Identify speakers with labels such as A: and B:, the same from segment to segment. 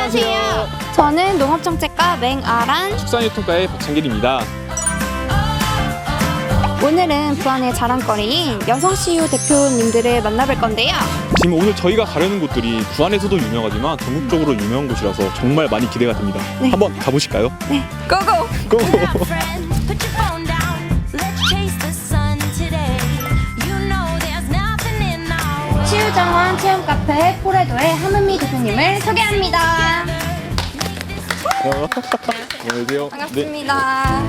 A: 안녕하세요. 저는 농업정책과 맹아란,
B: 축산유통과의 박창길입니다.
A: 오늘은 부안의 자랑거리인 여성 CU 대표님들을 만나볼 건데요.
B: 지금 오늘 저희가 가려는 곳들이 부안에서도 유명하지만 전국적으로 유명한 곳이라서 정말 많이 기대가 됩니다.
A: 네.
B: 한번 가보실까요?
A: 네, 고고!
B: 고!
A: 치유정원 체험카페 포레도의 하문미 대표님을 소개합니다.
B: 안녕하세요.
A: 반갑습니다.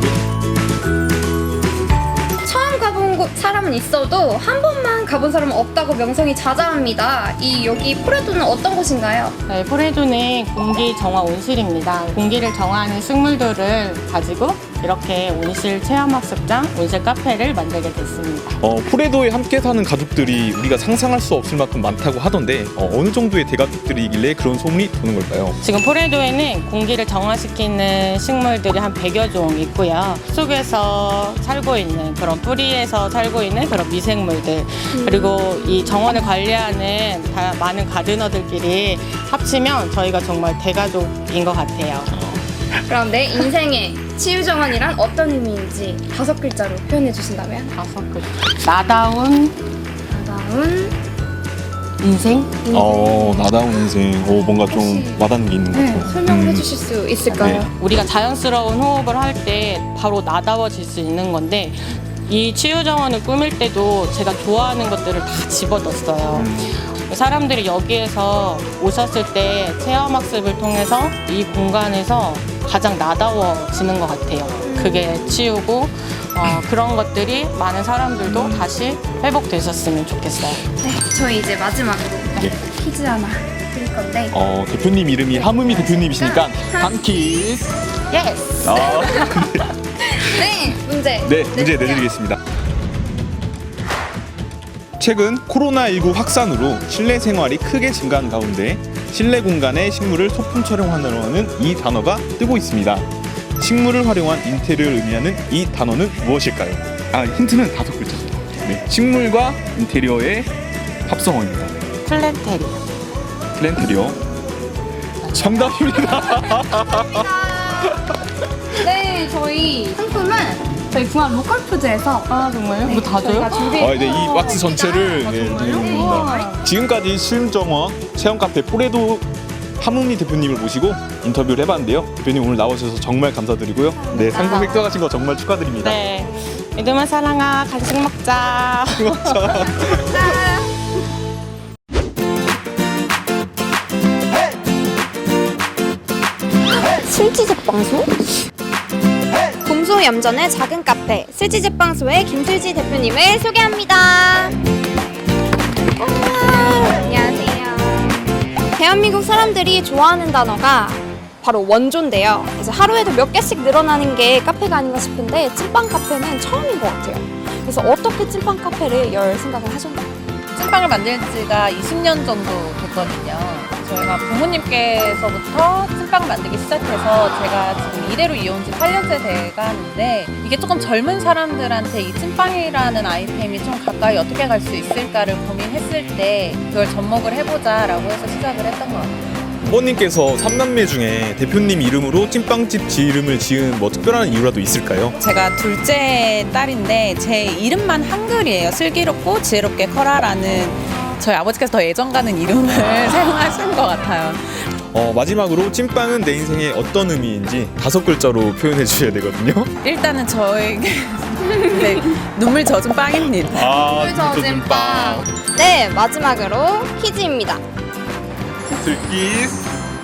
A: 처음 가본 사람은 있어도 한 번만 가본 사람은 없다고 명성이 자자합니다. 여기 포레도는 어떤 곳인가요?
C: 네, 포레도는 공기 정화 온실입니다. 공기를 정화하는 식물들을 가지고 이렇게 온실 체험학습장, 온실 카페를 만들게 됐습니다.
B: 포레도에 함께 사는 가족들이 우리가 상상할 수 없을 만큼 많다고 하던데 어느 정도의 대가족들이길래 그런 소문이 도는 걸까요?
C: 지금 포레도에는 공기를 정화시키는 식물들이 한 100여 종 있고요. 숲속에서 살고 있는 그런 뿌리에서 살고 있는 그런 미생물들, 그리고 이 정원을 관리하는 많은 가드너들끼리 합치면 저희가 정말 대가족인 것 같아요.
A: 그럼 내 인생의 치유정원이란 어떤 의미인지 5글자로 표현해 주신다면?
C: 5글. 나다운 인생?
B: 나다운 인생. 뭔가 좀 와닿는 게 있는 것 같아요.
A: 설명해 주실 수 있을까요?
B: 네.
C: 우리가 자연스러운 호흡을 할 때 바로 나다워질 수 있는 건데, 이 치유정원을 꾸밀 때도 제가 좋아하는 것들을 다 집어넣었어요. 사람들이 여기에서 오셨을 때 체험학습을 통해서 이 공간에서 가장 나다워지는 것 같아요. 그게 치유고, 그런 것들이 많은 사람들도 다시 회복되셨으면 좋겠어요.
A: 네, 저희 이제 마지막으로
B: 네.
A: 퀴즈 하나 드릴 건데
B: 대표님 이름이 하무미 대표님이시니까 한키스.
C: 예스!
A: 네, 문제
B: 문제 내드리겠습니다. 최근 코로나19 확산으로 실내 생활이 크게 증가한 가운데 실내 공간의 식물을 소품 촬영하는 이 단어가 뜨고 있습니다. 식물을 활용한 인테리어를 의미하는 이 단어는 무엇일까요? 힌트는 5글자입니다. 네, 식물과 인테리어의 합성어입니다. 플랜테리어. 정답입니다.
A: 네, 저희 상품은 저희 부안 로컬푸드에서
C: 정말요? 뭐 다 줘요?
B: 이 왁스 전체를 드립니다. 지금까지 시음정원 체험카페 포레도 하문미 대표님을 모시고 인터뷰를 해봤는데요. 대표님 오늘 나오셔서 정말 감사드리고요. 네, 상품 획득하신 거 정말 축하드립니다.
C: 네. 믿음아 사랑아, 간식 먹자.
A: 술지제빵소? 곰소얌전의 작은 카페 술지제빵소의 김술지 대표님을 소개합니다. 안녕하세요. 대한민국 사람들이 좋아하는 단어가 바로 원조인데요. 그래서 하루에도 몇 개씩 늘어나는 게 카페가 아닌가 싶은데 찐빵 카페는 처음인 것 같아요. 그래서 어떻게 찐빵 카페를 열 생각을 하셨나요?
D: 찐빵을 만든 지가 20년 정도 됐거든요. 저희가 부모님께서부터 찐빵 만들기 시작해서 제가 지금 이대로 이어온 지 8년째 돼가는데, 이게 조금 젊은 사람들한테 이 찐빵이라는 아이템이 좀 가까이 어떻게 갈 수 있을까를 고민했을 때 그걸 접목을 해보자라고 해서 시작을 했던 것 같아요.
B: 부모님께서 3남매 중에 대표님 이름으로 찐빵집 이름을 지은 특별한 이유라도 있을까요?
D: 제가 둘째 딸인데 제 이름만 한글이에요. 슬기롭고 지혜롭게 커라라는 저희 아버지께서 더 애정 가는 이름을 사용하신 것 같아요.
B: 마지막으로 찐빵은 내 인생에 어떤 의미인지 5글자로 표현해 주셔야 되거든요.
D: 일단은 저에게 네, 눈물 젖은 빵입니다.
A: 눈물 젖은 빵. 네, 마지막으로 퀴즈입니다.
B: 들기스.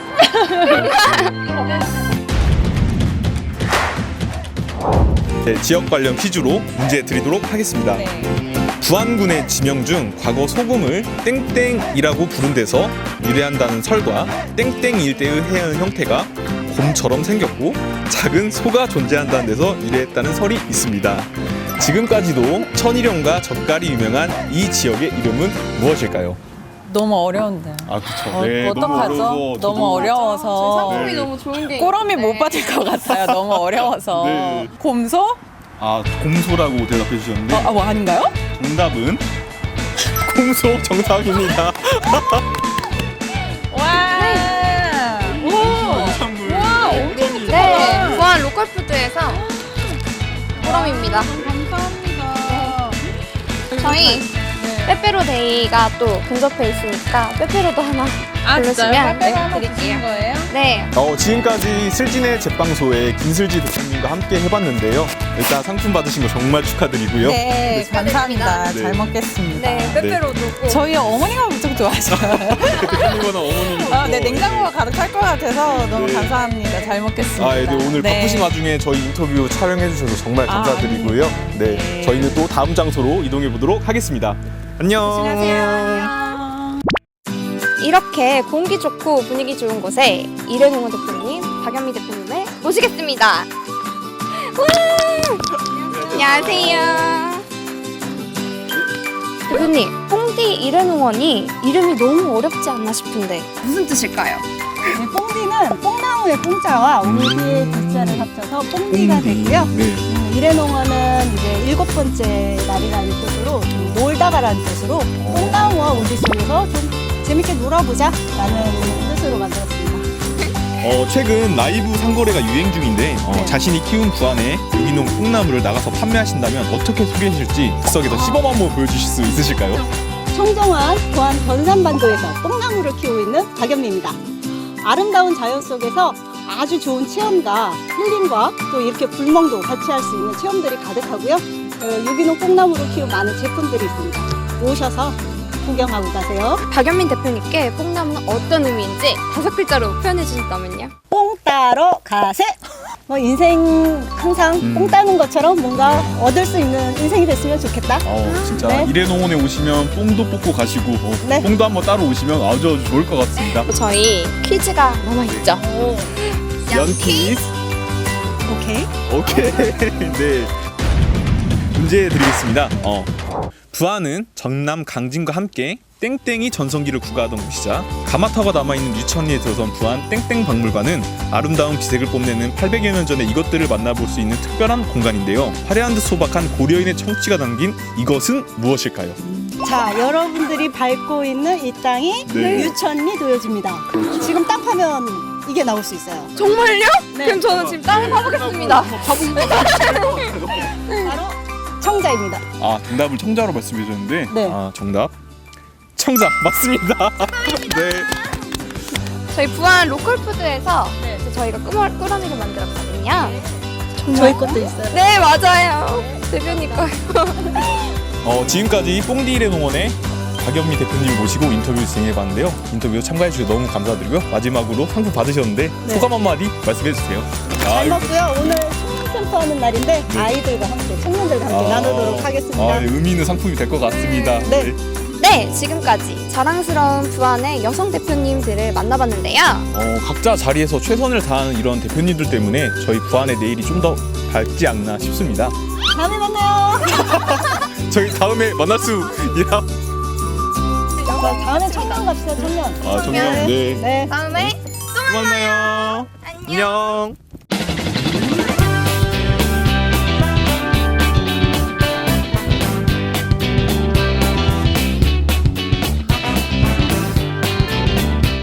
B: 네, 지역 관련 퀴즈로 문제 드리도록 하겠습니다.
D: 네.
B: 부안군의 지명 중 과거 소금을 땡땡이라고 부른 데서 유래한다는 설과 땡땡 일대의 해안 형태가 곰처럼 생겼고 작은 소가 존재한다는 데서 유래했다는 설이 있습니다. 지금까지도 천일염과 젓갈이 유명한 이 지역의 이름은 무엇일까요?
D: 너무 어려운데.
B: 그렇죠. 네,
D: 어떡하죠? 너무 어려워서.
A: 상품이 너무 좋은 게
D: 꼬럼이
A: 있는데.
D: 못 받을 것 같아요. 너무 어려워서.
B: 네.
D: 곰소?
B: 곰소라고 대답해 주셨는데
D: 뭐 아닌가요?
B: 정답은 곰소 정답입니다.
D: 와.
A: 꾸러미입니다.
C: 감사합니다.
A: 저희 빼빼로데이가 또 근접해 있으니까 빼빼로도 하나 부르시면
D: 빼빼로 하나
A: 드릴게요.
D: 주신 거예요?
A: 네.
B: 지금까지 슬진의 제빵소의 김슬지 대표님과 함께 해봤는데요. 일단 상품 받으신 거 정말 축하드리고요.
E: 네, 감사합니다.
B: 네.
E: 잘 먹겠습니다.
A: 네, 빼빼로도 꼭.
E: 저희 어머니가 엄청 좋아하셔요.
B: 대표님과는 어머님이.
E: 네, 냉장고가 가득할 것 같아서 너무
B: 네.
E: 감사합니다. 잘 먹겠습니다.
B: 네, 오늘
E: 네.
B: 바쁘신 와중에 저희 인터뷰 촬영해주셔서 정말 감사드리고요. 네,
E: 네.
B: 저희는 또 다음 장소로 이동해 보도록 하겠습니다. 안녕.
A: 안녕하세요. 이렇게 공기 좋고 분위기 좋은 곳에 이래농어 대표님, 박연미 대표님을 모시겠습니다. 와! 안녕하세요. 대표님, 뽕디 이래농원이 이름이 너무 어렵지 않나 싶은데 무슨 뜻일까요?
F: 네, 뽕디는 뽕나무의 뽕자와 오미디의 디자를 합쳐서 뽕디가 되고요.
B: 네.
F: 이래농어는 이제 7번째 날이라는 뜻으로 좀 놀다가라는 뜻으로 뽕나무와 우리 속에서 좀 재밌게 놀아보자라는 뜻으로 만들었습니다.
B: 최근 라이브 상거래가 유행 중인데 자신이 키운 부안의 유기농 뽕나무를 나가서 판매하신다면 어떻게 소개하실지 즉석에서 시범 한번 보여주실 수 있으실까요?
F: 청정원 부안 변산반도에서 뽕나무를 키우고 있는 박연미입니다. 아름다운 자연 속에서 아주 좋은 체험과 힐링과 또 이렇게 불멍도 같이 할 수 있는 체험들이 가득하고요. 유기농 뽕나무로 키운 많은 제품들이 있습니다. 오셔서 구경하고 가세요.
A: 박연민 대표님께 뽕나무는 어떤 의미인지 5글자로 표현해 주신다면요?
F: 뽕 따러 가세. 뭐 인생 항상 뽕 따는 것처럼 뭔가 얻을 수 있는 인생이 됐으면 좋겠다.
B: 진짜
F: 네.
B: 이래농원에 오시면 뽕도 뽑고 가시고
F: 네.
B: 뽕도 한번 따러 오시면 아주 좋을 것 같습니다.
A: 저희 퀴즈가 남아있죠?
B: 연키스.
F: 오케이.
B: 오케이. 네. 문제 드리겠습니다. 부안은 전남 강진과 함께 땡땡이 전성기를 구가하던 곳이자 가마타가 남아있는 유천리에 들어선 부안 땡땡 박물관은 아름다운 기색을 뽐내는 800여 년 전의 이것들을 만나볼 수 있는 특별한 공간인데요. 화려한 듯 소박한 고려인의 청취가 담긴 이것은 무엇일까요?
F: 자, 여러분들이 밟고 있는 이 땅이
B: 네.
F: 유천리 도요지입니다. 지금 땅 파면 이게 나올 수 있어요.
A: 정말요?
F: 네.
A: 그럼 저는 지금 땅을 파보겠습니다.
F: 바로 청자입니다.
B: 정답을 청자로 말씀해 주셨는데
F: 네.
B: 정답 청자 맞습니다. 네.
A: 저희 부안 로컬푸드에서 저희가 꾸러미를 만들었거든요.
F: 저희 것도 있어요.
A: 네, 맞아요. 대표님 거요.
B: 지금까지 뽕디일의 농원의 박연미 대표님을 모시고 인터뷰 진행해봤는데요. 인터뷰 참가해 주셔서 너무 감사드리고요. 마지막으로 상품 받으셨는데
F: 네.
B: 소감 한마디 말씀해 주세요.
F: 잘 먹고요. 오늘 청년센터 하는 날인데 아이들과 함께 청년들과 함께 나누도록 하겠습니다.
B: 의미 있는 상품이 될 것 같습니다.
F: 네.
A: 네, 지금까지 자랑스러운 부안의 여성 대표님들을 만나봤는데요.
B: 각자 자리에서 최선을 다하는 이런 대표님들 때문에 저희 부안의 내일이 좀 더 밝지 않나 싶습니다.
F: 다음에 만나요.
B: 저희 다음에 만날 수 있나?
F: 자, 다음에 청년 갑시다. 청년.
B: 정녕. 네.
F: 네.
A: 다음에
B: 또 만나요. 안녕.